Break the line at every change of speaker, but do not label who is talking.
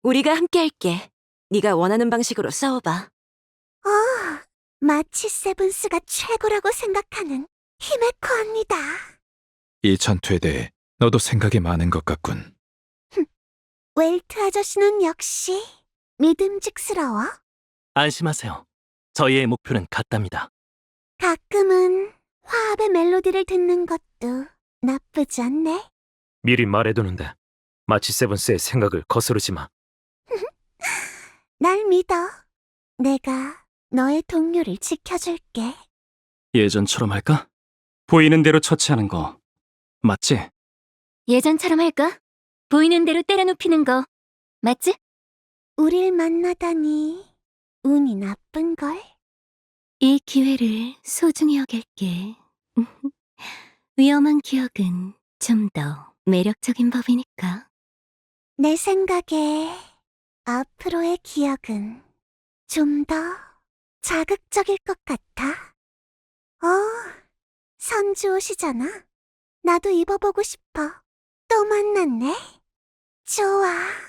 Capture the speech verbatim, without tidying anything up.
우리가 함께 할게. 네가 원하는 방식으로 싸워봐.
어, 마치 세븐스가 최고라고 생각하는 히메코 언니다.
이 전투에 대해 너도 생각이 많은 것 같군.
웰트 아저씨는 역시 믿음직스러워.
안심하세요. 저희의 목표는 같답니다.
가끔은 화합의 멜로디를 듣는 것도 나쁘지 않네.
미리 말해두는데 마치 세븐스의 생각을 거스르지 마.
날 믿어. 내가 너의 동료를 지켜줄게.
예전처럼 할까? 보이는 대로 처치하는 거 맞지?
예전처럼 할까? 보이는 대로 때려 눕히는 거 맞지?
우릴 만나다니 운이 나쁜걸.
이 기회를 소중히 여길게. 위험한 기억은 좀 더 매력적인 법이니까.
내 생각에 앞으로의 기억은 좀 더 자극적일 것 같아. 어, 선주 옷이잖아. 나도 입어보고 싶어. 또 만났네. 좋아.